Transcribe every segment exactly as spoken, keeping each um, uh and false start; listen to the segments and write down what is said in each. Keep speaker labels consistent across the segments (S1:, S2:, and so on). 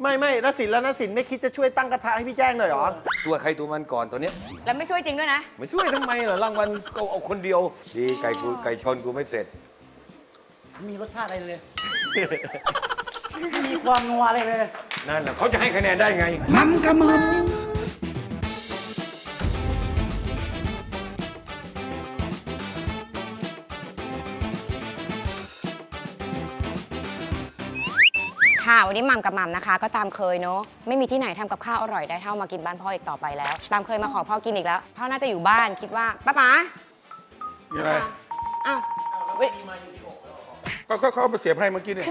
S1: ไม่ไม่นสินแล้วนสินไม่คิดจะช่วยตั้งกระทะให้พี่แจ้งหน่อยเหรอ
S2: ตัวใครตัวมันก่อนตัวเนี้ย
S3: แล้วไม่ช่วยจริงด้วยนะ
S2: ไม่ช่วยทำไมล่ะรางวัลก็เอาคนเดียวดีไก่กูไก่ชนกูไม่เสร็จ
S4: มีรสชาติอะไรเลยมีความนัวอะไรเลย
S2: นั่นแหละเขาจะให้คะแนนได้ไง
S4: มันกระมึม
S3: ค่ะวันนี้หม่ำกับหม่ำนะคะก็ตามเคยเนาะไม่มีที่ไหนทำกับข้าวอร่อยได้เท่ามากินบ้านพ่ออีกต่อไปแล้วตามเคยมาขอพ่อกินอีกแล้วพ่อน่าจะอยู่บ้านคิดว่าป้าป๋า
S5: อะไร
S3: อ้าว
S5: ก็เขาเอามาเสียบให้เมื่อกี้เนี่ย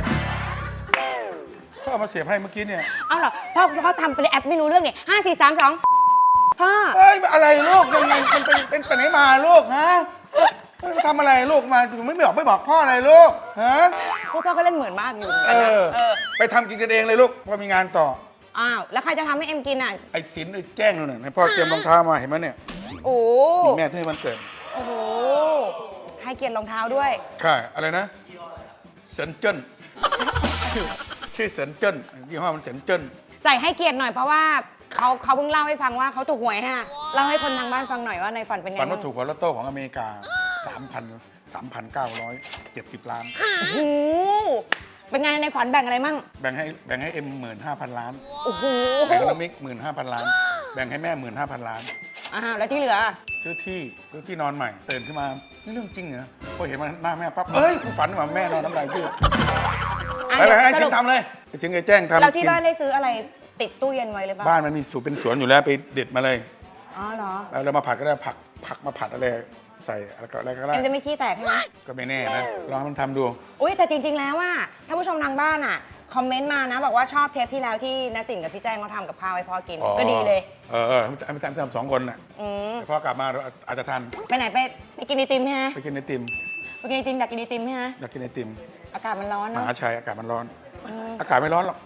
S5: เขาเอามาเสียบให้เมื่อกี้เนี่ย
S3: เอาเหรอพ่อพ่อทำเป็นแอปไม่รู้เรื่องเนี่ยห้าสี่สามสองพ่อ
S5: เอ้ยอะไรลูกยังไงมันเป็นเป็นไปไหนมาลูกฮะทำอะไรลูกมาถึงไม่บอกไม่บอกพ่ออะไรลูกฮะ
S3: พ่อพ่อก็เล่นเหมือนมากอยู่
S5: เออไปทำกินกันเองเลยลูกพอมีงานต่อ
S3: อ้าวแล้วใครจะทำให้เอ็มกินอ่ะ
S5: ไอ้สินไอ้แจ้งนู่นน่ะให้พ่อเตรียมรองเท้ามาเห็นไหมเนี่ย
S3: โอ้
S5: แม่ซื้อให้มันเกิด
S3: โอ้โหให้เกียรติรองเท้าด้วย
S5: ใช่อะไรนะเซนเจิ้นชื่อเซนเจิ้นยี่ห้อมันเซนเจิ้น
S3: ใส่ให้เกียรติหน่อยเพราะว่าเขาเขาเพิ่งเล่าให้ฟังว่าเขาถูกหวยฮะเล่าให้คนทางบ้านฟังหน่อยว่าในฝันเป็นไง
S5: ฝันว่าถูกหวยลอตโต้ของอเมริกาสามพันสามพันเก้าร้อยเจ็ดสิบล้าน
S3: โอ้โหเป็นไงในฝันแบ่งอะไรมั่ง
S5: แบ่งให้แบ่งให้เอ็มหมื่นห้าพันล้าน
S3: โอ้โห
S5: แบ่งให้น้องมิกหมื่นห้าพันล้านแบ่งให้แม่หมื่นห้าพันล้าน
S3: อ้าวแล้วที่เหลือ
S5: ซื้อที่ซื้อที่นอนใหม่ตื่นขึ้นมานี่เรื่องจริงเหรอพอเห็นมันหน้าแม่ปั๊บเอ้ยกูฝันว่าแม่นอนน้ำลายยืดไปไปให้สิงทำเลยไอ้สิงไอ้แจ้งทำ
S3: เราที่บ้านได้ซื้ออะไรติดตู้เย็นไว้เลยป่ะ
S5: บ้านมันมีสวนเป็นสวนอยู่แล้วไปเด็ดมาเลย
S3: อ๋อเหรอ
S5: แล้วเรามาผัดก็ได้ผักผักมาผัดอะไรใส่อะไรก็ได้
S3: เอ็มจะไม่ขี้แตกใช่ไหม
S5: ก็ไม่แน่นะลองมันทำดู
S3: อุ้ยแต่จริงๆแล้วว่าถ้าผู้ชมทางบ้านอ่ะคอมเมนต์มานะบอกว่าชอบเทปที่แล้วที่นสินกับพี่แจ้งเขาทำกับข้าวให้พ่อกินก็ดีเลย
S5: เออเออไม่ทำทำสองคนน่ะแต่พ่อกลับมาอาจจะทัน
S3: ไปไหนไปไปกินไอติมใช่ไหม
S5: ไปกินไอติม
S3: ไปกินไอติมอยากกินไอติมใช่ไหม
S5: อยากกินไอติม
S3: อากาศมันร้อน
S5: ม
S3: นะ
S5: หาชัยอากาศมันร้อนอากาศไม่ร้อนหรอก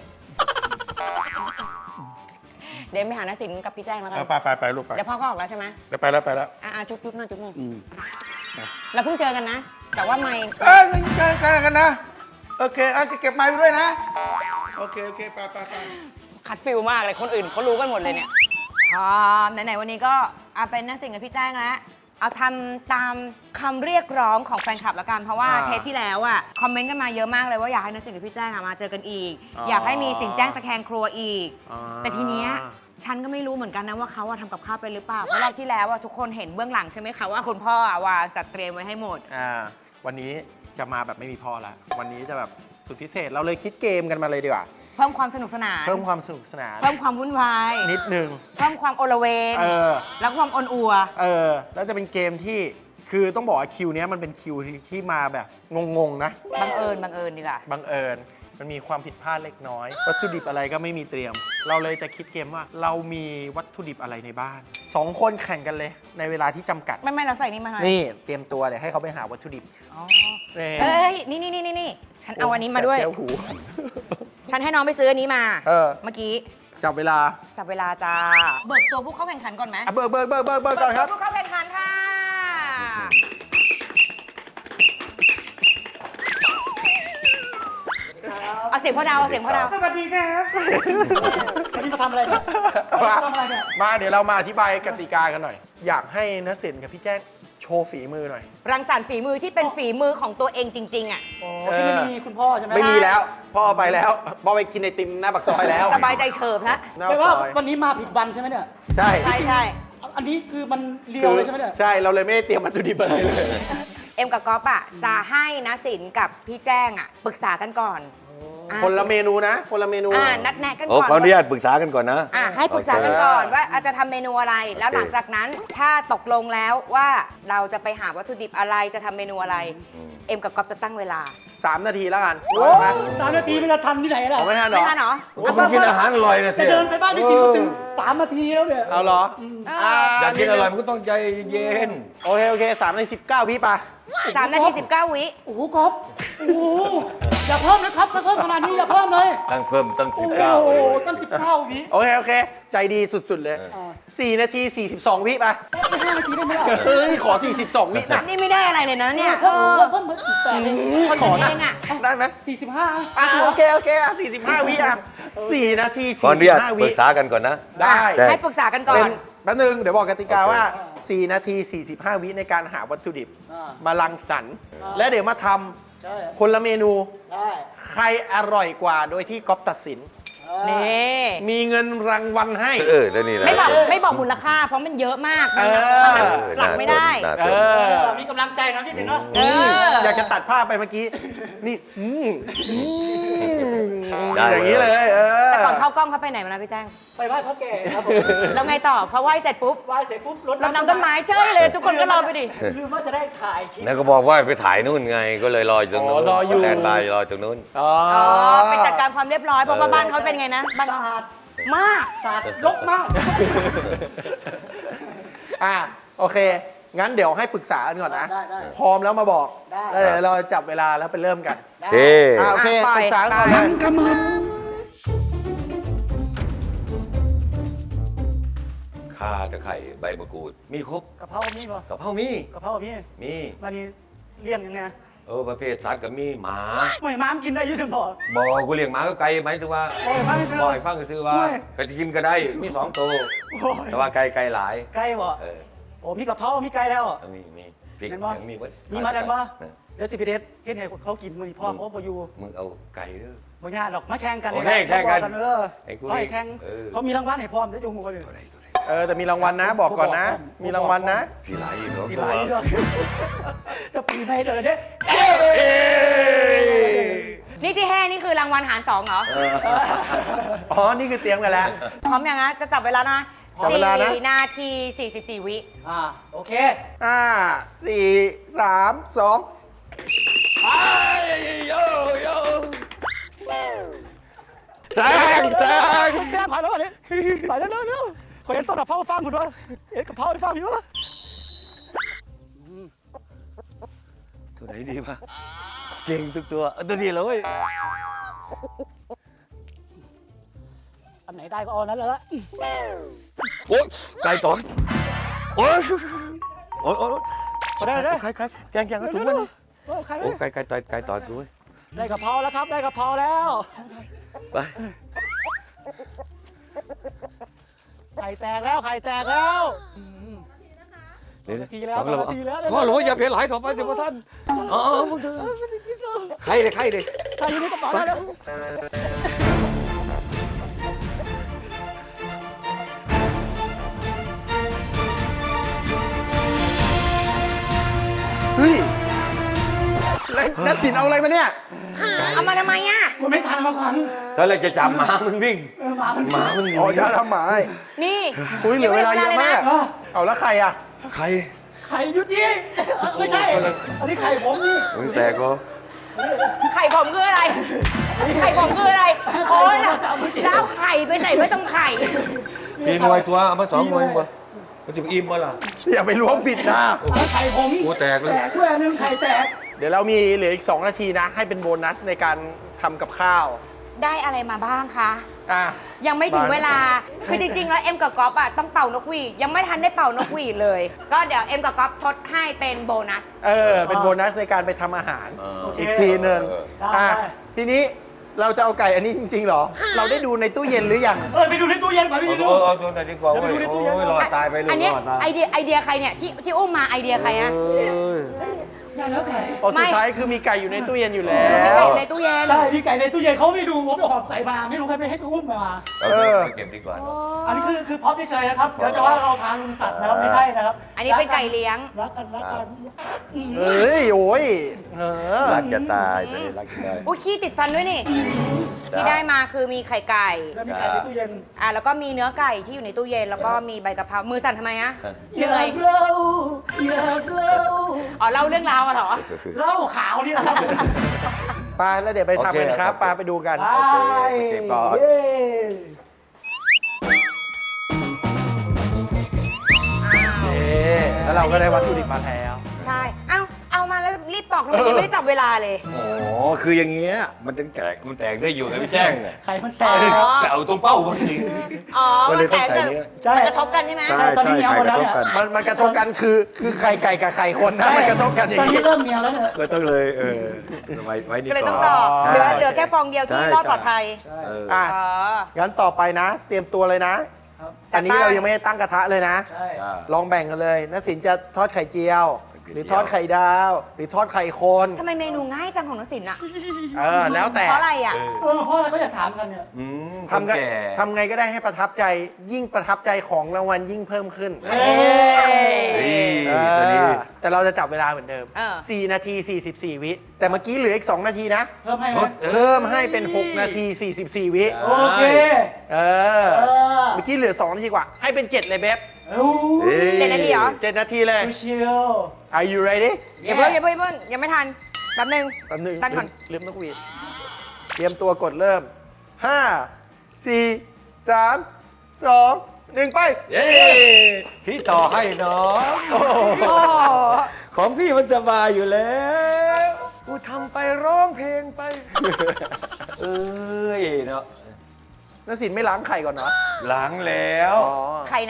S3: เดี๋ยวไปหานสินกับพี่แจ้งแล้วกัน
S5: ไปไปไปลูกไป
S3: เดี๋ยวพ่อก็ออกแล้วใช่ไหม
S5: เดี๋ยวไปแล้วไปแล้ว
S3: อ่าจุ๊บจุ๊บหน่อยจุ๊บหน่อยเราเพิ่งเจอกันนะแต่ว่าไม่
S5: เออเจอกันกันนะโอเคอ่ะเก็บไม้ไปด้วยนะโอเคโอเคไปไปไป
S3: คัดฟิลมากเลยคนอื่นเขารู้กันหมดเลยเนี่ยพอไหนๆวันนี้ก็เอาเป็นนสินกับพี่แจ้งแล้วเอาทำตามคำเรียกร้องของแฟนคลับละกันเพราะว่าเทปที่แล้วอ่ะคอมเมนต์กันมาเยอะมากเลยว่าอยากให้นสินกับพี่แจ้งมาเจอกันอีกอยากให้มีสินแจ้งตะแคงครัวอีกแต่ทีเนี้ยฉันก็ไม่รู้เหมือนกันนะว่าเขาทำกับข้าวไปหรือเปล่าเพราะรอบที่แล้วทุกคนเห็นเบื้องหลังใช่ไหมคะว่าคุณพ่อวางจัดเตรียมไว้ให้หมด
S1: อ่าวันนี้จะมาแบบไม่มีพ่อละวันนี้จะแบบสุดพิเศษเราเลยคิดเกมกันมาเลยดีกว่า
S3: เพิ่มความสนุกสนาน
S1: เพิ่มความสนุกสนาน
S3: เพิ่มความวุ่นวาย
S1: นิดนึง
S3: เพิ่มความโอละเวง
S1: เออ
S3: แล้วความอ่อนอัว
S1: เออแล้วจะเป็นเกมที่คือต้องบอกว่าคิวนี้มันเป็นคิวที่มาแบบงงๆนะ
S3: บังเอิญบังเอิญดีกว่า
S1: บังเอิญมันมีความผิดพลาดเล็กน้อยวัตถุดิบอะไรก็ไม่มีเตรียมเราเลยจะคิดเกมว่าเรามีวัตถุดิบอะไรในบ้านสองคนแข่งกันเลยในเวลาที่จำกัด
S3: ไม่ไม่เราใส่นี่มาให้
S1: นี่เตรียมตัวเดี๋ยวให้เขาไปหาวัตถุดิบ
S3: อ๋อเอ้ยนี่นี่นี่นี่ฉันเอาอันนี้มาด้วยฉันให้น้องไปซื้ออันนี้มาเมื่อกี้
S1: จับเวลา
S3: จับเวลาจ้าเบิกตัวผู้เข้าแข่งขันก่อนไหม
S1: เบิกเบิกเบิกเบิกเบิกก่อนครับ
S3: ผู้เข้าแข่งขันค่ะเอาเสียงพ่อดาวเอาเสียงพ่อดาว
S4: สวัสดีครับวันนี้มาทำอะไรเนี่ยมาทำอะไรเนี่ย
S1: มาเดี๋ยวเรามาอธิบายกติกากันหน่อยอยากให้ณสินกับพี่แจ้งโชว์ฝีมือหน่อย
S3: รังสรรค์ฝีมือที่เป็นฝีมือของตัวเองจริงๆอ่ะ
S4: ที่ไม่มีคุณพ่อใช่ไหม
S1: ไม่มีแล้วพ่อไปแล้วพ่อไปกินไอติมหน้าปากซอยแล้ว
S3: สบายใจเฉิบแล้ว
S4: แต่ว่าวันนี้มาผิดวันใช่ไหมเนี่ย
S1: ใช่
S3: ใช่ใช่
S4: อันนี้คือมันเลียวเลยใช่ไหมเนี่ย
S1: ใช่เราเลยไม่ได้เตรียมวัตถุดิบอะไรเลย
S3: เอ็มกับก๊อฟอ่ะจะให้ณสินกับพี่แจ้งอ่ะปรึกษากันก่อน
S1: คนละเมนูนะคนละเมนู
S3: อ่านัดแนะกันก่
S2: อนขออนุญาตปรึกษากันก่อนนะ
S3: อ่าให้ปรึกษากันก่อนว่าอาจจะทำเมนูอะไรแล้วหลังจากนั้นถ้าตกลงแล้วว่าเราจะไปหาวัตถุดิบอะไรจะทำเมนูอะไรเอ็มกับก๊อฟจะตั้งเวลา
S1: สามนาทีแล้วกัน
S4: สามนาทีมันจะทันที่ไหนล่ะ
S1: ไม่ทันหรอ
S3: ไม่ทันหรอ
S2: คุณกินอาหารอร่อยนะสิ
S4: จะเดินไปบ้านที่สิถึงสามนาทีแล้วเนี่ย
S1: เอาเหรอ
S2: อยากกินอร่อยมันก็ต้องใจเย็น
S1: โอเคโอเคสามในสิบเก้าพี่ปะ
S3: สามนาทีสิบเก้าวิ
S4: โอ้โหก๊อฟโอ้โหอย่าเพิ่มนะครับถ้าเพิ่มขนาดนี้อย่าเพิ่มเลย
S2: ตั้งเพิ่มตั้งสิ
S4: โอ้
S2: บ
S4: โห
S2: เก้าเลย
S4: ตั้งสิบเก้าวิ
S1: โอเค โอเค ใจดีสุด ๆ เลย สี่นาทีสี่สิบสองวิไป
S4: ห้านาทีได้ไหมล่ะ
S1: เฮ้ย ขอ สี่สิบสอง วินะ
S3: นี่ไม่ได้อะไรเลยนะเนี่ย
S4: เพิ่มเพิ่มเพิ่มอีกแปดเลย
S3: คนของเองอ่ะ
S1: ได้ไหม
S4: สี่สิบห้า
S1: อ่ะโอเค โอเคอ่ะสี่สิบห้า วิอ่ะสี่นาที
S2: ก่อน
S1: สี่
S2: เรี
S1: สิ
S2: ยก
S1: บห้า
S2: ป
S1: วิ
S2: รึกษากันก่อนนะ
S1: ได้
S2: ใช่
S3: ให้ปรึกษากันก่อ
S1: เป็น
S3: น
S1: แป๊บนึง เดี๋ยวบอกกติกา
S2: โอเค
S1: ว่า สี่นาทีสี่สิบห้า วิในการหาวัตถุดิบ
S4: อ่า
S1: มารังสรรค์และเดี๋ยวมาท
S4: ใช่
S1: ำคนละเมนู
S4: ได้
S1: ใครอร่อยกว่าโดยที่ก๊อฟตัดสิน
S3: นี่
S1: มีเงินรางวัลให้
S2: เออแล้วนี่นะ
S3: ไม่บอกไม่บอกมูลค่า เพราะมันเยอะมาก
S1: เออ
S3: มันหลักไม่ได้
S2: น่า
S1: เอ
S2: สน
S1: อ
S4: มีกำลังใจนะพี่สิงห์เนาะ
S3: เออ
S1: อยากจะตัดภาพไปเมื่อกี้ นี่อืมอืม
S2: ได้
S1: อย่างนี้เลย เออ
S3: แต่ก่อนเข้ากล้องเขาไปไหนมานะพี่แจ้ง
S4: ไปไหว้พ่อแก่ครับผม
S3: แล้วไงต่อพอไหว้เสร็จปุ๊บ
S4: ไหว้เสร็จปุ๊บรด
S3: รดน้ำต้นไม้เฉยเลย ทุกคนก็รอไปดิ
S4: ลืมว่าจะได้ถ่ายคลิป
S2: แล้วก็บอกว่าไปถ่ายนู่นไง ก็เลยรออยู่ตรงนู้น
S1: อ๋อรออยู่
S2: แตนบายรอตรงนู้น
S1: อ๋อ
S3: อ๋อไปจัดการความเรียบร้อยเพราะว่าบ้านเขาเป็นไงนะบ้าน
S4: สะอาด
S3: มาก
S4: สะอาดรกมาก
S1: อ่ะโอเค งั้นเดี๋ยวให้ปรึกษากันก่อนนะ
S4: ได้ได้
S1: พร้อมแล้วมาบอก
S4: ได้
S1: แล้วเดี๋ยวเราจับเวลาแล้วไปเริ่มกัน
S2: โอเค
S1: อ่ะโอเค
S3: อ่ะปล่อย
S1: ปรึกษากันก่อน
S3: ไป
S1: เลย
S2: ข่าตะไคร้ใบมะกรูด มีครบ
S4: กะเพรามีป่ะ
S2: กะเพรามี
S4: กะเพรามี
S2: มี
S4: มานี่เลี้ยงยังไง
S2: เออประเภทสัตว์ก็มีหมา
S4: ไม่ม้ามกินได้อยี่สิบบ่อ
S2: บอกกูเลี้ยงหมาก็ไก่หมายถึงว่า
S4: บ่อยฟังซื้อ
S2: บ่อยฟังก็ซื้อว่า
S4: โอ้ย
S2: ไปกินก็ได้ มีสองตัว
S4: โอ้ย
S2: แต่ว่าไก่ไก่หลาย
S4: ไก่บ่
S2: เออ
S4: โอ้มีกะเพรามีไก่แล้ว
S2: เอามีมีพริก
S4: เห็นบ่
S2: ยังมีเบิด
S4: มีมาดันบ่
S2: เออ
S4: เดี๋ยวสิพี่เดชเฮ็ดให้เขากินมื้อนี้พ่อเขาบ่อยู่
S2: มึงเอาไก่เด้อ
S4: บ่ยากหรอกมาแข่งกัน
S2: โอเคแข่งกัน
S4: เออ
S2: ไอ้กู
S4: เขาให้แข่ง
S2: เออ
S4: เขามีรางวัลให้พร้อมเดี๋ยวจะหูกันเลย
S2: ตัวไหนตัวไหน
S1: เออแต่มีรางวัลนะ บอกก่อนนะ มีรางวัลนะ
S2: สีไหลอีกเหรอ
S4: สิหลายเรื่องจะปีไม่เด้อเด้
S3: นี่ที่แห่นี่คือรางวัลหารสองเหรอ
S1: อ๋อ นี่คือเตรียมกันแล้ว
S3: พร้อมยังนะจะจับเวลานะ
S1: จับเวลานะ
S3: สี่นาทีสี่สิบสี่วิ
S4: อ่าโอเค
S1: ห้าสี่สามสอง
S2: โยโย่
S1: แซงแซง
S4: คุณแซมผ่านแล้ววันนี้ไปแล้วเร็วเร็วขอเห็นต้นกะเพราฟังคุณวะเห็นกะเพราให้ฟังอยู่วะ
S2: ตัวไหนดีวะเก่งทุกตัวเอาตัวนี้เลย
S4: อันไหนได้ก็เอานั้นเลยละ
S2: โอ๊ยไก่ตอดโอ๊ยโอ๊ยโอ๊ย
S4: พอได้เลย
S2: ไก่ไก่แกงแกงถุง
S4: เร็
S2: มั
S4: วน ๆโอ้ใคร
S2: โอ้ไก่ไก่ตอดไก่ตอดกูเว้ย
S4: ได้กะเพราแล้วครับได้กะเพราแล้ว
S2: ไป
S4: ไข่แตกแล้วไข่แตกแล้ว
S2: เดี๋ยว
S4: นาทีแล้ว
S2: สองระ
S4: สองนาทีแล้ว
S2: พ่อหลวงอย่าเพลหลายต่อไปสิพ่อท่านอ๋อพวกเธอใครเลยใครเลย
S4: ไข่อยู่ในกระเป๋าแล้ว
S1: เฮ้ยแล้วนัดสินเอาอะไรมาเนี่ย
S3: เอามาทำไมอ่ะ
S4: มันไม่ทันมาก่อน
S2: ตอนแรกจะจับหมามันวิ่ง
S4: เออมามัน
S2: หมามันหนี
S1: อ๋อจะทำหมาย
S3: นี่
S1: อุ้ยเหลือเวลาเยอะมาก
S4: เออ
S1: เอาแล้วใครอ่ะ
S2: ใคร
S4: ไข่ยุดยี่เออไม่ใช่ อันนี้ไข่ผมนี่
S2: มึงแตกก็
S3: ไข่ผมคืออะไร ไข่ผมคืออะไรโอ้ยแล้วเอาไข่ไปใส่ไว้ตรงไข่
S2: สี่หน่วยตัวเอามาสองหน่วยบ่มันจะอิ่มบ่ล่ะ
S1: อย่าไปล้วงผิดนะ
S4: อันนั้นไข่ผม
S2: กูแตกเลย
S4: แตกด้วยอันนึงไข่แตก
S1: เดี๋ยวเรามีเหลืออีกสองนาทีนะ ให้เป็นโบนัสในการทำกับข้าว
S3: ได้อะไรมาบ้างคะ
S1: อ่ะ
S3: ยังไม่ถึง
S1: บ้าง
S3: เวลา คือจริงๆ แล้วเอ็มกับก๊อฟอะต้องเป่านกหวีดยังไม่ทันได้เป่านกหวีดเลย ก็เดี๋ยวเอ็มกับก๊อฟทดให้เป็นโบนัส
S1: เออ เป็นโบนัสในการไปทำอาหาร
S2: เออ
S1: อีกทีหนึ่ง
S4: ได้
S1: อ่ะทีนี้เราจะเอาไก่อันนี้จริงๆเหรอ เราได้ดูในตู้เย็นหรือยัง
S4: เออไปดูในตู้เย็นก่อนพี่
S2: เอา
S4: ดู
S2: เอาเอาตัวไหนดีกว่าเว้ย
S4: เดี๋ยวไปดูในตู้เย็น
S2: โอ้ยรอดตายไปเลย
S3: อันเนี้ย
S2: รอดตาย
S3: ไอเดียไอเดียใครเนี่ยที่ที่อุ้มมาไอเดียใครอะ
S2: เออ
S4: ได้แล้วไข่
S1: พอสุดท้ายคือมีไก่อยู่ในตู้เย็นอยู่แล้
S3: มี
S1: ว
S3: ไก่อยู่ในตู้เย็น
S4: ใช่พี่ไก่ในตู้เย็นเขาไม่ดูผมไปหอบไก่มาไม่รู้ใครไปให้ไปอุ้มมา
S2: เอาเก็บเก็บดีกว่าเนอะ
S4: อันนี้คือคือพร็อพเฉยๆนะครับ เดี๋ยวจะว่าเราทานสัตว์นะครับไม่ใช่นะครับ
S3: อันนี้เป็นไก่เลี้ยง
S4: รักกันรักกัน
S1: เฮ้ย โอ้ยเออ
S2: รักจะตายตัวนี้รักจะตาย
S3: อุ้ยขี้ติดฟันด้วยนี่ ที่ได้มาคือมีไข่ไก่
S4: แล้วมีไก่ในตู้เย็น
S3: อ่ะแล้วก็มีเนื้อไก่ที่อยู่ในตู้เย็น แล้วก็มีใบกะเพรา มือสั่นทำไมอะเหนื่อย
S4: ากเล่าอยากเล่า
S3: อ๋อเล่าเรื่องราวอะเหรอ
S4: เหล้าขาวนี่นะครับ
S1: ไปแล้วเดี๋ยวไปทำกันครับไปไปดูกัน
S4: ไป
S2: เก็บก่อน
S4: เย้
S1: เอ๊ะแล้วเราก็ได้วัตถุดิบมาแล้ว
S3: ใช่ เอ้า เอามาแล้วทำไมยังไม่ได้จับเวลาเลย
S2: อ๋อ คืออย่างเงี้ย มันต้องแตก มันแตกได้อยู่ไงพี่แจ้งอะ
S4: ไข่มันแต
S3: อ๋
S4: ก
S3: อ
S2: แต่เอาตรงเป้าพอดี
S3: อ๋อ
S2: ก็เล
S3: มั
S2: ย
S3: น
S2: ต้
S3: แต
S2: อง
S3: ก
S2: ใส่
S3: แต่
S2: เนี้ย
S4: ใช่
S3: มันกระทบกันใช่ไหม
S2: ใช่
S4: ตอนนี้
S2: ใช่
S4: เมีย
S2: ไข่
S4: หมด
S2: ก
S4: แล้
S2: ระ
S4: ว
S2: ทบ
S4: เนี่ย
S2: กัน
S1: มันมันกระทบกันคือคือไข่ไก่กับไข่คนนะมันกระทบกันอย่า
S4: ตอง น
S1: นี้
S4: นี้เริ่มเมียแล้วเนี่ย
S2: ก็ต้องเลยเออไว้ไว้นี่
S3: ก็เลย
S2: ก่
S3: ต้
S2: อ
S3: อน งต่อ
S2: ใช่
S3: เหลือเหลือแค่ฟองเดียวที่
S2: ใช่
S3: รอดปลอดภัย
S2: เออ
S1: อ่ะ
S3: อ๋อ
S1: งั้นต่อไปนะ เตรียมตัวเลยนะ
S4: ครับ
S1: อันนี้เรายังไม่ได้ตั้งกระทะเลยนะ
S4: ใช่
S2: อ่า
S1: ลองแบ่งกันเลยนักสินจะทอดไข่เจียว
S2: ไข่เจียว
S1: หรือทอดไข่ดาว หรือทอดไข่คน
S3: ทำไมเมนูง่ายจังของนสินอะ
S1: เออแล้วแต่
S3: เพราะอะไรอะ
S4: เออเพราะอะไรก็อยากถามกันเนี่ย
S2: อืม
S1: ทำไง
S2: คนแก่
S1: ทำไงก็ได้ให้ประทับใจ ยิ่งประทับใจของรางวัลยิ่งเพิ่มขึ้น
S4: เอ้ย
S2: เฮ้ย
S1: เอ
S2: ตัวนี้
S1: อแต่เราจะจับเวลาเหมือนเดิม
S3: เออ
S1: สี่ นาที สี่สิบสี่ วิ แต่เมื่อกี้เหลืออีก สอง นาทีนะ
S4: เพิ่มให้ไห
S2: ท
S4: ม
S2: ด
S1: เพิ่มให้เป็น หก นาที สี่สิบสี่ วิ
S4: โอเค
S1: เออ
S4: เออ
S1: เมื่อกี้เหลือ สอง นาทีกว่า ให้เป็น เจ็ด เลยเบบ
S4: โอ้
S2: เฮ้ย
S3: เจ็ดนาทีเหรอ
S1: เจ็ด นาทีเลย
S4: ชิว
S1: Are you ready
S3: อย่าเพิ่งอย่าเพิ่งอย่าเพิ่งยังไม่ทันแป๊บนึง
S1: แป๊บนึง
S3: ตั้งก่อน
S1: ลืมนกหวีดเตรียมตัวกดเริ่ม ห้า สี่ สาม สอง หนึ่ง ไป
S2: เย้พี่ต่อให้เนาะ
S3: โอ้
S2: ของพี่มันสบายอยู่แล้วกูทำไปร้องเพลงไป เอ้ยเนาะ
S1: นักสินไม่ล้างไข่ก่อนเนาะ
S2: หลังแล้ว
S1: อ๋อ
S3: ไข่ไหน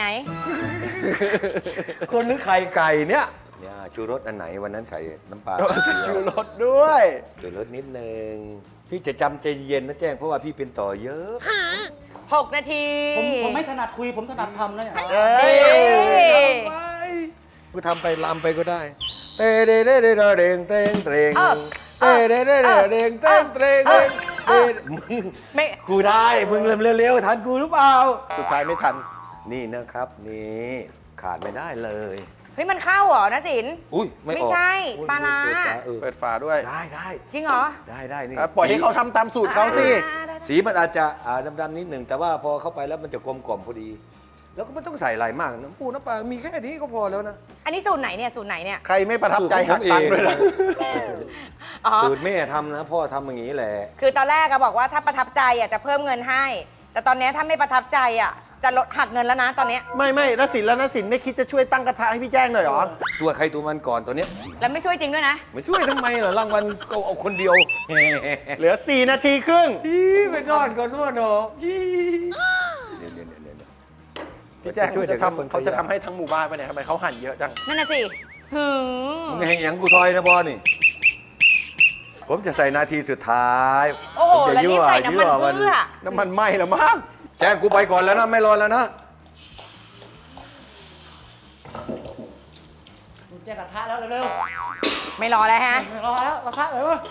S2: คนนึกไข่ไก่เนี่ยเนี่ยชูรสอันไหนวันนั้นใส่น้ำปลา
S1: ชูรสด้วย
S2: ชูรสนิดนึง พี่จะจำใจเย็นนะแจ้งเพราะว่าพี่เป็นต่อเยอะ
S3: หก นาที
S4: ผมผมไม่ถนัดคุยผมถนัดทำนะเนี่ย
S1: เอ้ย
S2: ไปกูทำไปลำไปก็ได้เตเดเดเดเดเดงเตงเตง
S3: เออ
S2: เตเดเดเดเดงเตงเตง
S3: เออ
S2: เต
S3: เออ
S2: มึง
S3: ไม่
S2: กูได้มึงเร็วๆทันกูหรือเปล่า
S1: สุดท้ายไม่ทัน
S2: นี่นะครับนี่ขาดไม่ได้เลย
S3: เฮ้ยมันเข้าเหรอนะสิน
S2: อุ้ยไม่ออก
S3: ไม่ใช่
S2: อุ๊ย
S3: ปลาร้า
S2: เปิดฝเออ
S1: เปิดฝาด้วย
S2: ได้ได้
S3: จริงเหรอ
S2: ได้ได้นี่
S1: อ่ะปล่อยให้เขาทำตามสูตรเขาสิ
S3: อ่าได้
S2: สีมันอาจจะอ่าดำๆนิดหนึ่งแต่ว่าพอเข้าไปแล้วมันจะกลมกล่อมพอดี แล้วก็ไม่ต้องใส่อะไรมากน้ำปูน้ำปลา มีแค่นี้ก็พอแล้วนะ
S3: อันนี้สูตรไหนเนี่ยสูตรไหนเนี่ย
S1: ใครไม่ประทับใจหักตังค์ด้วยนะ
S3: อ๋อ
S2: สูตรแม่ทำนะ พ่อทำอย่างนี้แหละ
S3: คือตอนแรกอะบอกว่าถ้าประทับใจอะจะเพิ่มเงินให้ แต่ตอนเนี้ยถ้าไม่ประทับใจอะจะลดหักเงินแล้วนะตอนเนี้ย
S1: ไม่ไม่นักสินแล้วนักสินไม่คิดจะช่วยตั้งกระทะให้พี่แจ้งหน่อยเหรอ
S2: ตัวใครตัวมันก่อนตัวเนี้ย
S3: แล้วไม่ช่วยจริงด้วยนะ
S2: ไม่ช่วยทำไมเหรอรางวัลก็เอาคนเดียว
S1: เหลือ สี่ นาทีครึ่ง
S2: ฮีไปนอนก่อนนวดเนาะฮีเดี๋ยวเดี๋ยวเดี๋ยวเดี๋ยว
S1: พี่แจ้ง
S2: ช่วย
S1: เขาจะ
S2: เถอะครับ
S1: ทำเขาจะทำให้ทั้งหมู่บ้านไปเนี่ยทำไมเขาหั่นเยอะจัง
S3: นั่นน่ะสิหืม
S2: มึงให้หยังกูซอยนะบอนี่ ผมจะใส่นาทีสุดท้าย
S3: โอ้โห
S2: ผมจะ
S3: แล้วนี่ใส่น้ำมัน
S2: ยั่ว
S3: เพื่อ
S1: น้ำมันไหม้แล้วมั้ง
S2: แจ้งกูไปก่อนแล้วนะ ไม่รอแล้วนะ
S4: ๆแจกกระทะแล้วเร็ว
S3: ไม่รอแล้วฮะ
S4: ๆไม่รอแล้วกระทะเลยวะ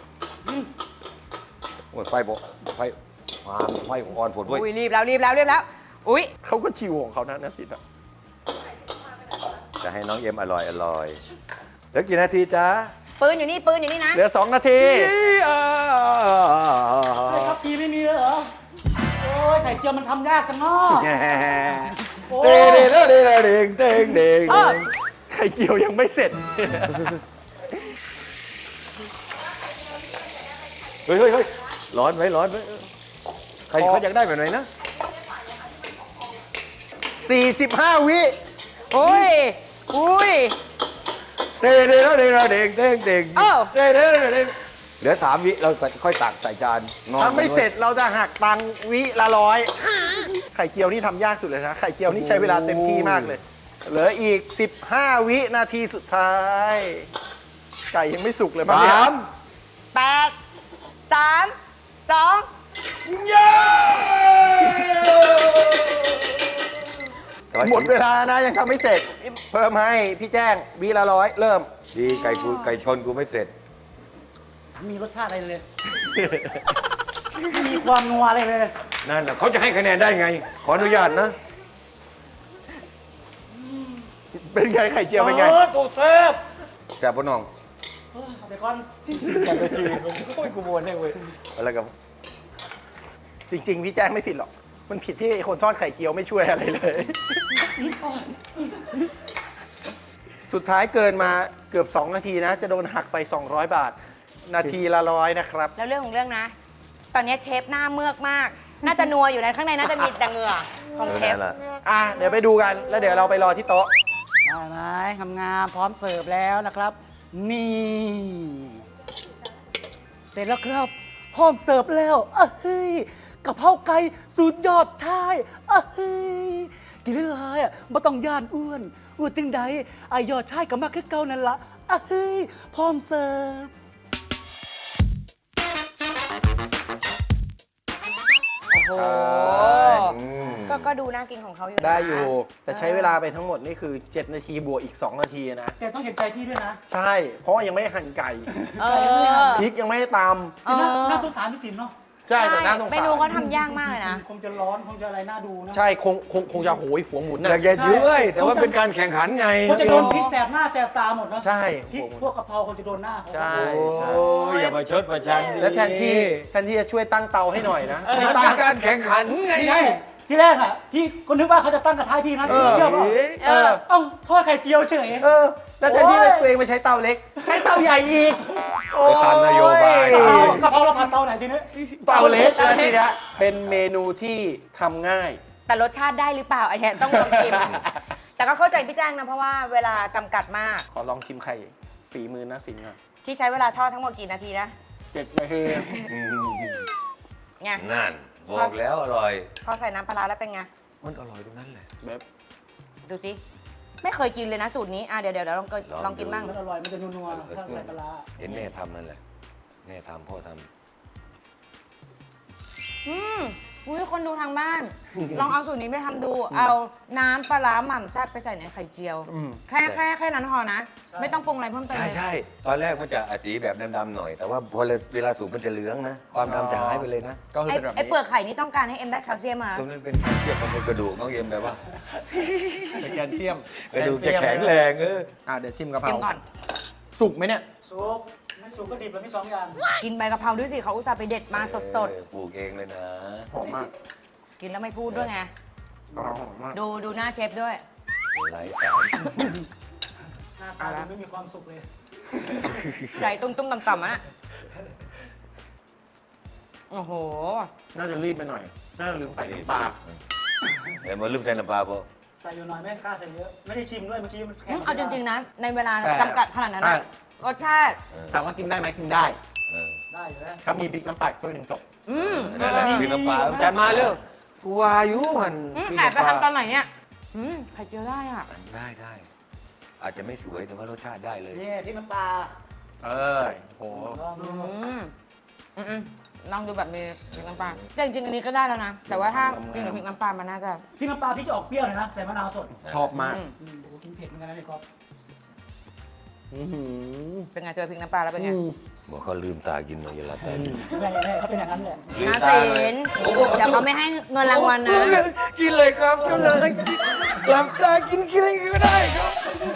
S2: โอ้ยไฟบอกไฟมาไฟอ่อนผดเว้ย
S3: อุ้ยรีบแล้วรีบแล้วรีบแล้ว อุ้ย
S1: เขาก็ชิวของเขานะนักสินอะ
S2: จะให้น้องเอ็มอร่อยอร่อยเหลือกี่นาทีจ๊ะ
S3: ปืนอยู่นี่ปืนอยู่นี่นะ
S1: เหลือ สอง นาที
S4: ไอ้ครับพีไม่มีเลยเหรอ โอ้ยไข่เจียวมันทำยากจังเนาะโอ้
S2: เด้
S4: ย
S2: เด้เด้เด้เด้งเด้งเด้ง
S3: เออ
S1: ไข่เจียวยังไม่เสร็จ
S2: เฮ้ยเฮ้ยเฮ้ยร้อนไหมร้อนไหมใครเขาอยากได้แบบไหนนะ
S1: สี่สิบห้า วิ
S3: อุ้ยอุ้ย
S2: เด้เด้เด้เด้เด้งเด้งเด้ง
S3: เอ้า
S2: เด้เด้เด้เด้งเหลือสามวิเราค่อยตักใส่จานนอน
S1: ถ้าไม่เสร็จเราจะหักตังค์วิละร้อย ไข่เจียวนี่ทำยากสุดเลยนะ ไข่เจียวนี่ใช้เวลาเต็มที่มากเลย เหลืออีก สิบห้า วินาทีสุดท้าย ไก่ยังไม่สุกเลยมั้งเนี่ย
S2: สาม
S3: แปดสามสอง
S2: เย้
S1: หมดเวลานะยังทำไม่เสร็จ เพิ่มให้พี่แจ้งวิละร้อยเริ่ม
S2: ดีไก่กูไก่ชนกูไม่เสร็จ
S4: มีรสชาติอะไรเลย ไม่มีความนัวอะไรเลย
S2: นั่นแหละเขาจะให้คะแนนได้ไง ขออนุญาตนะ
S1: เป็นไงไข่เจียวเป็นไง
S4: เออตัวเซฟ
S2: แซ่บปะน้อง
S4: เออเอาไปก่อน
S2: แซ่บไปจีโอ้ยกูโมนแน่เว้ยอะไรกับ
S1: จริง ๆ พี่แจ้งไม่ผิดหรอก มันผิดที่คนทอดไข่เจียวไม่ช่วยอะไรเลย สุดท้ายเกินมาเกือบ สอง นาทีนะ จะโดนหักไป สองร้อย บาท นาทีละร้อยนะครับ
S3: แล้วเรื่องของเรื่องนะ ตอนนี้เชฟหน้าเมือกมาก น่าจะนัวอยู่นะข้างในน่าจะมีแต่เหงื่อของเชฟ
S2: นั่นแหละ
S1: อ่ะ เดี๋ยวไปดูกัน แล้วเดี๋ยวเราไปรอที่โต๊ะ
S4: ได้ไหมงามๆพร้อมเสิร์ฟแล้วนะครับนี่เสร็จแล้วครับพร้อมเสิร์ฟแล้วอ่ะเฮ้ยกะเพราไก่สูตรยอดชายอ่ะเฮ้ยกินได้หลายอ่ะไม่ต้องย่านอ้วนอ้วนจึงใดไอยอดชายก็มาคือเก่านั่นละอ่ะเฮ้ยพร้อมเสิร์ฟ
S3: โอ้โหก็ก็ดูน่ากินของเขาอยู่นะ
S1: ได้อยู่ แต่ใช้เวลาไปทั้งหมดนี่คือ เจ็ด นาทีบวกอีก สอง นาทีนะ
S4: แต่ต้องเห็นใจพี่ด้วยนะ
S1: ใช่ เพราะยังไม่หั่นไก่
S3: เออ
S1: พริกยังไม่ได้ต
S3: เออ
S4: น่าน่าสงสารพี่สินเนาะ
S1: ำใช่แต่น่าสง
S3: เม
S1: สาร
S3: นูเขาทำยากมากเลยนะ
S4: คงจะร้อนคงจะอะไรน่าดูนะ
S1: ใช่คงคงคงจะโหยหัวหมุน
S2: อ
S1: นะ
S2: ยากจะช่วยแต่ว่าเป็นการแข่งขันไง
S4: เขาจะโดนพริกแสบหน้าแสบตาหมดเนาะ
S1: ใช่
S4: พริกพวกกะเพราคงจะโดนหน้าเขา
S1: ใช่
S2: โอ้ยอย่ามาชดประชันดิ
S1: และแทนที่แทนที่จะช่วยตั้งเตาให้หน่อยนะ
S2: มั
S1: ไม่
S2: น
S1: ตั้
S2: เป็
S1: ง
S2: นการแข่งขันไง
S4: ใช่ที่แรกอ่ะพี่ก็นึกว่าเขาจะตั้งกระทะให้พี่นะ
S1: เออ
S4: เชื่อป่ะ
S3: เออ
S4: เอ้าทอดไข่เจียวเฉย
S1: เออ แล้วแทนที่ตัวเองไปใช้เตาเล็ก ใช้เตาใหญ่อีก
S2: ไปตามนโยบาย
S1: โอ้
S4: เอากะเพราเราผัดเตาไหนทีนี้
S1: เตาเล็กแล้วทีเนี้ยเป็นเมนูที่ทำง่าย
S3: แต่รสชาติได้หรือเปล่าไอ้เนี่ยต้องลองชิม แต่ก็เข้าใจพี่แจ้งนะ เพราะว่าเวลาจำกัดมาก
S1: ขอลองชิมไข่ฝีมือนะสิงห์ก่อน
S3: ที่ใช้เวลาทอดทั้งหมดกี่นาทีนะ
S1: เจ็ดนาที
S3: ไง
S2: นั่นบอกแล้วอร่อย
S3: พอใส่น้ำปลาร้าแล้วเป็นไง
S2: มันอร่อยตรงนั้นแหละ
S1: แบบ
S3: ดูสิ ไม่เคยกินเลยนะสูตรนี้ อ่ะเดี๋ยวเดี๋ยวเดี๋ยวลองกิน
S2: ลอง
S3: ลองกินบ้าง
S4: มันอร่อยมันจะนัวๆถ้าใส่ปลาร้า
S2: เห็นแม่ทำนั่นแหละแม่ทำพ่อท
S3: อืมอุ้ยคนดูทางบ้าน ลองเอาสูตรนี้ไปทำดู เอาน้ำปลาร้าหม่ำแซ่บไปใส่ในไข่เจียว แค่แค่แค่นั้นพอนะ ไม่ต้องปรุงอะไรเพิ่ม
S2: ำ
S3: เติม
S2: ใช่
S3: เลย
S2: ใช่ตอนแรกมันจะสีแบบดำๆหน่อย แต่ว่าพอเวลาสูบมันจะเหลืองนะ ความดำจะหายไปเลยนะ
S1: ก็คือ
S3: ไอ้
S1: เป็นแบบ
S3: ไอ้
S1: นี้
S3: เปลือกไข่นี่ต้องการให้เอ็มได้แคลเซียมมา
S2: ตรงนั้นเป็นเทียบกับกระดูกน้องเอ็มแบบว่า
S1: เป็นแกนเทียม
S2: กระดูกจะแข็งแรงเออ
S1: อ่ะเดี๋ยวชิมกะเพ
S3: ชิ
S1: ราม
S3: ก่อน
S1: สุกไหมเนี่ย
S4: สุกไม่สุกก็ดิบแล้วมีสองอย่าง
S3: กินใบกะเพราด้วยสิเขาอุตส่าห์ไปเด็ดมาสด
S2: เออปลูกเองเลยนะ
S1: หอมมาก
S3: ๆ กินแล้วไม่พูดด้วยไง
S1: กะเพราหอมมาก
S3: ดูดูหน้าเชฟด้วย
S2: ไร้สาร
S4: หน้าตาดูไม่มีความสุขเลย
S3: ใจตุ้มตุ้มๆต่ำๆอ่ะ โอ้โห
S1: น่าจะรีบไปหน่อย น่าจะลืมใส่น้ำปลา
S2: เดี๋ยวมาลืมใส่น้ำปลาพอ
S4: ใส่อยู่หน่อยไม่กล้าใส่เยอะ ไม่ได้ชิมด้วยเมื่อกี้มันแข็ง
S3: เอาจริง ๆ นะ ในเวลา
S1: แต่
S3: จำกัดขนาดนั้นนะรสชาติ
S1: ถามว่ากินได้ไหมกินได้
S2: เออ
S4: ได้อยู่แล้ว
S1: ถ้ามีพริกน้ำปลาช่วยหนึ่งจบ
S3: อืม
S2: นั่นแหละคือน้ำปลาจานมาเร็วกูวาอยุหัน
S3: อืมแอบไปทำตอนไหนเนี่ย อืมไข่เจียวได้อ่ะ
S2: ได้ได้อาจจะไม่สวยแต่ว่ารสชาติได้เลย
S4: นี่พริกน้ำปลา
S1: เออโห
S4: ลองดู
S3: อืมอืมอืมลองดูแบบมีพริกน้ำปลาแต่จริงๆอันนี้ก็ได้แล้วนะ แต่ว่าถ้ากินกับพริกน้ำปลามันน่าจะ
S4: พริกน้ำปลาพี่จะออกเปรี้ยวหน่อยนะใส่มะนาวสด
S1: ชอบมาก
S3: อืม
S4: อืมโอ้โหกินเผ็ดเหมือนกันนะนี่ครับ
S1: อื้อหือ
S3: เป็นไงเจอพริกน้ำปลาแล้วเป็นไง
S1: อืม
S2: บอกเขาลืมตากินมาอย่าหลับตากิน
S4: แม่แม่เขาเป็นอย่างนั้นแหละ
S2: ลืม
S3: นา
S2: ตา
S3: ศิ
S2: เลย
S3: นเดี๋ยวเขาไม่ให้เงินรางวัลนะ
S2: กินเลยครับกินเลยหลับตากินกินอะไรก็ได้ครับ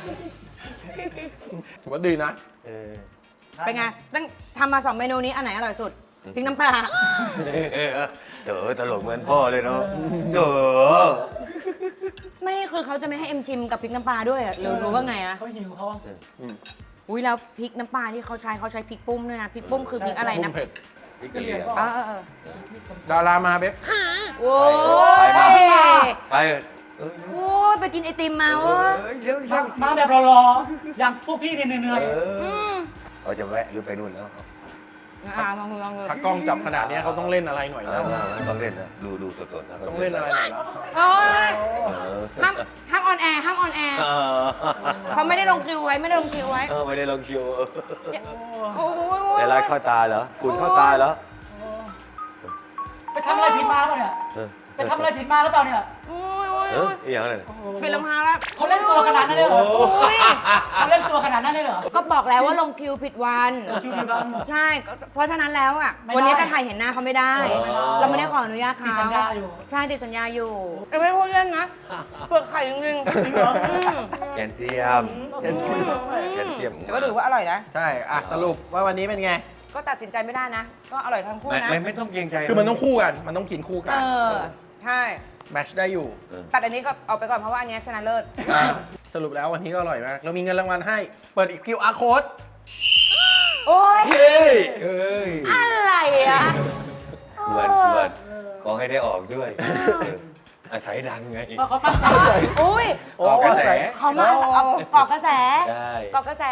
S1: ถือว่าดีนะ
S2: เออ
S3: เป็นไงตั้งทำมาสองเมนูนี้อันไหนอร่อยสุดพริกน้ำปลา
S2: เต๋อตลกเหมือนพ่อเลยเนาะเต๋อ
S3: ไม่คือเขาจะไม่ให้เอ็มชิมกับพริกน้ำปลาด้วยอะหรือรู้ว่าไงอะ
S4: เขาหิวเขา
S3: อุ้ยแล้วพริกน้ำปลาที่เขาใช้เขาใช้พริกปุ้มด้วยนะพริกปุ้มคือพริกอะไรนะ
S1: เผ็ด
S2: พี่กะเหรี่ยง
S3: เออเออเออ
S1: ดารามาเบ๊บ
S3: โอ้ย
S2: ไปมา ไปเถอะ
S3: โอ้ยไปกินไอติมมาเวะ
S2: เดี๋ยว
S4: มา
S2: สั่ง
S4: มาแบบรอๆอย่างพวกพี่เนี่ยเหนื่อย
S2: เขาจะแวะหรือไปนู่นแล้ว
S3: อ่าลองดูลองดู
S1: ถ้ากล้องจับขนาดเนี้ยเขาต้องเล่นอะไรหน่อย
S2: เอ
S1: แล้ว
S2: อต้องเล่นนะดูดูสดๆนะ
S1: ต้องเล่นอะไรหน่อยแล้ว
S3: โอ้ย
S2: เออ
S3: ห้ามห้ามออนแอร์ห้ามออนแอร์
S2: เออ
S3: เขาไม่ได้ลงคิวไว้ไม่ได้ลงคิวไว้
S2: เออไม่ได้ลองคิว
S3: โอ้ย
S2: ในร้านเข้าตาเหรอฝุ่นเข้าตาเหรอ
S4: ๆไปทำอะไรผิดมาหรือเปล่าเนี่ย
S2: เออ
S4: ไปทำอะไรผิดมาหรือเปล่าเนี่ย
S3: โอ้ยโอ้ย
S2: เอ
S3: โอ้
S2: อย อีกอย่างอะไร
S3: เป็นลำพาแล้ว
S4: เขาเล่นตัวขนาดนั้นเลยเหรอ
S3: โอ้ย
S4: เขาเล่นตัวขนาดนั้นเลยเหรอ
S3: ก็บอกแล้วว่าลงคิวผิดวัน
S4: คิวดีบ้าง
S3: ใช่ก็เพราะฉะนั้นแล้วอ่ะ
S4: ไม่ได้
S3: วันนี้จะถ่ายเห็นหน้าเขาไม่ได้
S4: เออไม่ได้
S3: เราไม่ได้ขออนุญาตเขา
S4: ติดสัญญาอยู่
S3: ใช่ติดสัญญาอยู่แต่ไม่พูดเล่นนะเปลือกไข่จริงๆอืม
S2: แคลเซียมแคลเซียมแคลเซียม
S3: แต่ก็ถือว่าอร่อยนะ
S1: ใช่ อ่ะ สรุปว่าวันนี้เป็นไง
S3: ก็ตัดสินใจไม่ได้นะ ก็อร่อยทั้งคู่
S2: ไม่
S3: นะ
S2: ไม่ไม่ต้องเกรงใจ
S1: คือมันต้องคู่กัน มันต้องกินคู่กั
S3: เอน อ ใช่
S1: แมชได้อยู่
S3: ตัดอันนี้ก็เอาไปก่อนเพราะว่าอันเนี้ยชนะเลิศ
S1: อ่ะสรุปแล้ววันนี้ก็อร่อยมาก เรามีเงินรางวัลให้ เปิดอีก คิว อาร์ code
S3: โอ้ย
S2: เฮ้ยเอ้ย
S3: อะไรอ่ะ
S2: ควรควรขอให้ได้ออกด้วยเอออาศัยดังไง
S4: เพราะเขาตั้งใจ
S3: อุ้ย
S1: โอ้
S2: ก่อกระแส
S3: เขามาเอาเกาะกระแส
S2: ใช่
S3: เกาะกระแส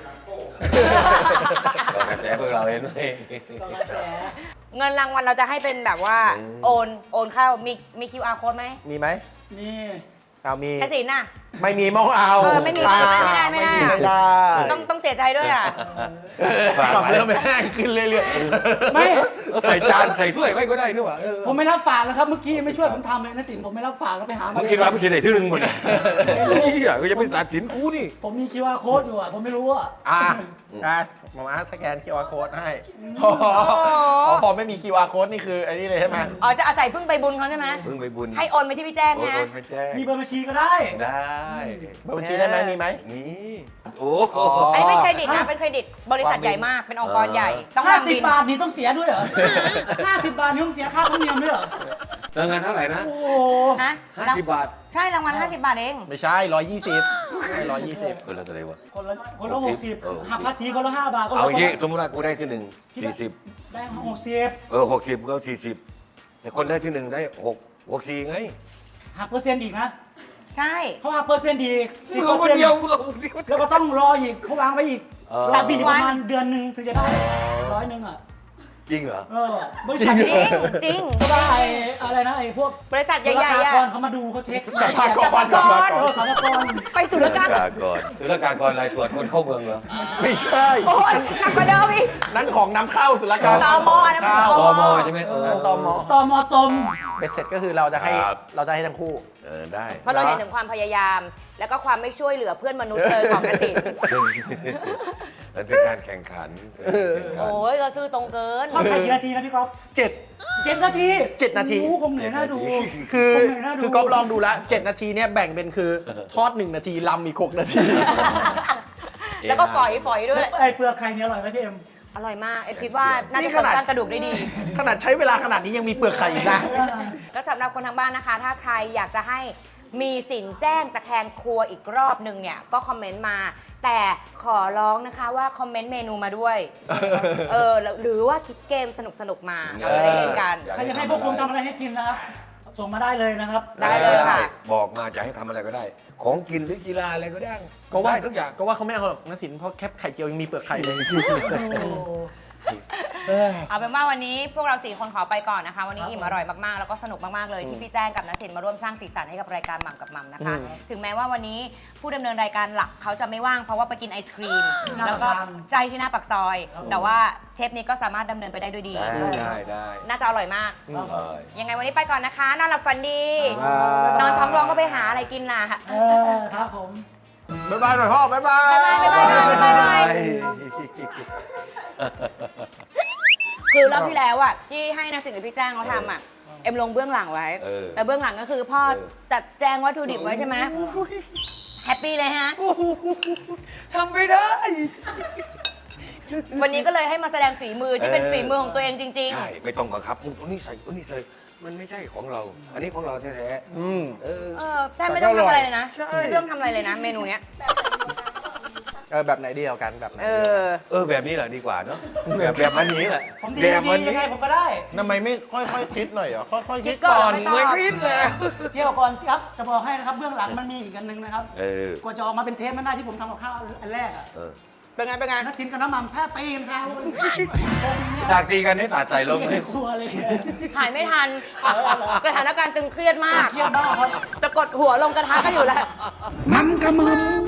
S2: ก่อกระแสพวกเราเห็นไหม
S3: เงินรางวัลเราจะให้เป็นแบบว่า
S2: อืม
S3: โอนโอนเข้ามีมี คิว อาร์ code ไหม
S1: มีไหม
S4: นี่
S1: เอามี
S3: กสินน่ะ
S1: ไม่มีมองเอา
S3: เออไม่มี
S1: อ่า
S3: ไม่ได้ไม่ได้
S1: ไม่ได้
S3: ต้องต้องเสียใจด้วยอ่ะ
S1: ขับเริ่มแห้งขึ้นเรื่อย
S4: ไม่
S2: ใส่จานใส่ถ้วยไว้ก็ได้นี่หว่าเออ
S4: ผมไม่รับฝากแล้วครับ เมื่อกี้ไม่ช่วยผมทำเลยนะสินผมไม่รับฝากแล้วไปหามา
S2: มึงคิดว่าไม่ใช่ไหนที่หนึ่งหมดเลยนี่อ่ะก็จะเป็นตัดสินกูนี่
S4: ผมมี คิว อาร์ code อยู่อ่ะ ผมไม่รู้อ่ะ
S1: ๆอ่ะอ่ะมามาสแกน คิว อาร์ code ให้อ๋ออ๋อพอไม่มี คิว อาร์ code นี่คือไอ้นี่เลยใช่ไหม
S3: อ๋อจะอาศัยพึ่งไปบุญเขาใช่ไหม
S2: เพิ่งไปบุญ
S3: ให้โอนไปที่พี่แจ้ง
S2: โอน
S3: นะ
S2: โอนไปแจ้ง
S4: มีเบอร์บัญชีก็ได้
S2: ได้
S1: เบอร์บัญชีได้ไหมมีไหม
S2: นี่โอ้
S1: อ๋อ
S3: อันนี้เป็นเครดิตนะเป็นเครดิตบริษัทใหญ่มากเป็นองค์กรใหญ่ ต้อง
S4: ห้า
S3: ทำ
S4: สิบ
S3: บิน
S4: บาทนี่ต้องเสียด้วยเหรอ ห้าสิบบาทนี่ต้องเสียค่าธรรมเนียมด้วยเหรอ
S2: แล้วเงินเท่าไหร่นะ
S4: โอ้โห
S3: ฮะ
S2: ห้าสิบบาท
S3: ใช่รางวัลห้าสิบบาทเอง
S1: ไม่ใช่ร้อยยี่สิบไม่ร้อยยี่สิบ
S2: คนละเท่าไหร่วะ
S4: คนละคนละหกสิบ
S2: เออ
S4: หักภาษีคนละห้าบาทคนละ
S2: เอาอย่างงี้สมมติว่ากูได้ที่หนึ่งสี่สิบ
S4: ได้หกสิบ
S2: เออหกสิบก็สี่สิบแต่คนได้ที่หนึ่งได้หกหกสี่ไง
S4: หักเปอร์เซ็นต์อีกนะ
S3: ใช่
S4: เขาหักเปอร์เซ็นต์อีก
S2: มึ
S4: สิ
S2: ง
S4: บเป
S2: เอา
S4: อร์
S2: คน
S4: เซ็นต์
S2: เดียวมึงเอาคนเดียว
S4: แล้วก็ต้องรออีกเขาวางไว้อีก
S2: เออ
S4: สามปีอีกประมาณเดือนหนึ่งถึงจะได้ร้อยหนึ่งอ่ะ
S2: จริงเหรอ
S4: เออบริษัท
S3: จริงจริง
S4: ก็ได้ไอ้อะไรนะไอ้พวก
S3: บริษัทใหญ่ๆอ่ะ
S4: ศุลกากรเขามาดูเขาเช็ค
S1: สัมภาษณ์ก่อน
S3: สัมภาษณ์
S4: เอ
S3: ก่อน
S4: อสารกร
S3: ไปศุลกาก
S2: าก รคือแล้วการกรอะไรตรวจคนเข้าเมืองเหรอ
S1: ไม่ใช่
S3: โอ้ยหนักกว่าเดิมอีก
S1: นั่นของนำเข้าศุลกากร
S3: ตมนะ
S1: เข้า
S3: ต
S2: ตมใช่ไหมเออ
S1: นั่นตม
S4: ตมตม
S1: เบ็ดเสร็จก็คือเราจะให้
S2: ครับ
S1: เราจะให้ทั้งคู่
S2: เออได้
S3: เพราะเราเห็นถึงความพยายาม แล้วก็ความไม่ช่วยเหลือเพื่อนมนุษย์เลยของกสิน
S2: มันเป็นการแข่งขันเป็นการแข่งขัน
S3: โอ้ยเราซื้อตรงเกิน
S4: ทอดไข่กี่นาทีนะพี่ก๊อฟ
S1: เจ็ด
S4: เจ็ดนาที
S1: เจ็ดนาที
S4: โอ้โหคงเหนื่อยน่าดู
S1: คือ
S4: คงเหนื่อยน่าดู
S1: คือก๊อฟลองดูละเจ็ดนาทีเนี่ยแบ่งเป็นคือทอดหนึ่งนาทีลำอีกหกนาที
S3: แล้วก็ฝอยฝอยด้วย
S4: ไอ้เปลือกไข่เนี่ยอร่อยไหมพี่เอ็ม
S3: อร่อยมากเอ็มคิดว่าน่า
S1: นี่
S3: จะ
S1: ข
S3: เสริม
S1: นาด
S3: สร้างกระดูกได้ดี
S1: ขนาดใช้เวลาขนาดนี้ยังมีเปลือกไข่อีกนะ
S3: ก็สำหรับคนทางบ้านนะคะ ถ้าใครอยากจะให้มีสินแจ้งตะแคงครัวอีกรอบหนึ่งเนี่ย ก็คอมเมนต์มา แต่ขอร้องนะคะว่าคอมเมนต์เมนูมาด้วย เออแล้วหรือว่าคิดเกมสนุกๆมาเราจะได้เล่นกัน
S4: ใครอยากให้พวกผมทำอะไรให้กินนะครับ ส่งมาได้เลยนะครับ
S3: ได้เลยค่ะ
S2: บอกมาจะให้ทำอะไรก็ได้ ของกินหรือกีฬาอะไรก็ได้
S1: ก็ว่า
S2: ได้ทุกอย่าง
S1: ก็ว่าเขาไม่เอาหรอกนะสินเพราะแคปไข่เจียวยังมีเปลือกไข่เลย
S3: เอาเป็นว่าวันนี้พวกเราสี่คนขอไปก่อนนะคะ วันนี้อิ่มอร่อยมากๆ แล้วก็สนุกมากๆเลยที่พี่แจ้งกับนสินมาร่วมสร้างสีสันให้กับรายการหม่ำกับหม่ำนะคะ ถึงแม้ว่าวันนี้ผู้ดำเนินรายการหลักเขาจะไม่ว่างเพราะว่าไปกินไอศครีม
S4: หน้า
S3: แล้วก็
S4: ปากซอย
S3: ใจที่หน้าปากซอย แต่ว่าเทปนี้ก็สามารถดำเนินไปได้ด้วยดี
S2: ได้ได้ได้
S3: น่าจะอร่อยมาก
S2: ได้
S3: ยังไงวันนี้ไปก่อนนะคะ นอนหลับฝันดี
S2: บ๊ายบาย
S3: นอนท้องร้องก็ไปหาอะไรกินล่ะ
S4: เออครับผม
S1: บ๊ายบายหน่อยพ่อ บ๊ายบาย
S3: บ๊ายบายบ๊ายบายหน่อยบ๊ายบายหน่อย คือรอบที่แล้วอ่ะที่ให้นสินกับพี่แจ้งเขาทำอ่ะเอ็มลงเบื้องหลังไว้
S2: เออ
S3: แต่เบื้องหลังก็คือพ่อจัดแจงวัตถุดิบไว้ใช่ไหมแฮปปี้เลยฮะ
S2: ทำไม่ได้
S3: วันนี้ก็เลยให้มาแสดงฝีมือที่เป็นฝีมือของตัวเองจริง
S2: ใช่ ไม่ต้องบังคับมึงเอานี่ใส่เอานี่ใส่ มันไม่ใช่ของเรา อันนี้ของเราแท้ๆ
S1: อืม
S2: เออ
S3: ๆ เออแต่ไม่ต้องทำอะไรเลยนะ
S2: ใช่
S3: ไม่ต้องทำอะไรเลยนะ เมนูเนี้ย
S1: เออ แบบไหนเดียวกัน แบบไหน
S3: เอ
S1: เดียวกัน
S3: อ
S2: เออแบบนี้แหละดีกว่าเนาะ แบบแบบมันนี้แหละ
S4: ผมดี
S2: แบบ
S4: ดี
S2: มัน
S4: ยั
S2: นี้
S4: งไงผมก็ได้
S1: ทำไมไม่ค่อยๆคิดหน่อยเหรอ ค่อยๆ
S3: คิ
S1: คิ
S3: ด
S1: ด
S3: ก่
S1: ก่
S3: อ
S1: อน น
S3: ไม่ต้
S2: ไม่คิดเลย
S4: เที่ยวก่อนครับ จะบอกให้นะครับ เบื้องหลังมันมีอีกอันหนึงนะครับ
S2: เออ
S4: กว่าจะออกมาเป็นเทปนั้นได้ที่ผมทำกับข้าวอันแรกอ่ะ
S2: เออ
S3: เป็นไงเป็นไง
S4: นักสินกับน้ำมันแทบตีกันครับ
S2: จากตีกันให้ตัดใส่ลง
S4: ใน
S2: เลย
S4: ครัวเลย
S3: ถ่ายไม่ทันสถานการณ์ตึงเครียดมาก
S4: เครียดมากครับ
S3: จะกดหัวลงกระทะกันอยู่แล้ว
S4: มันกระมึม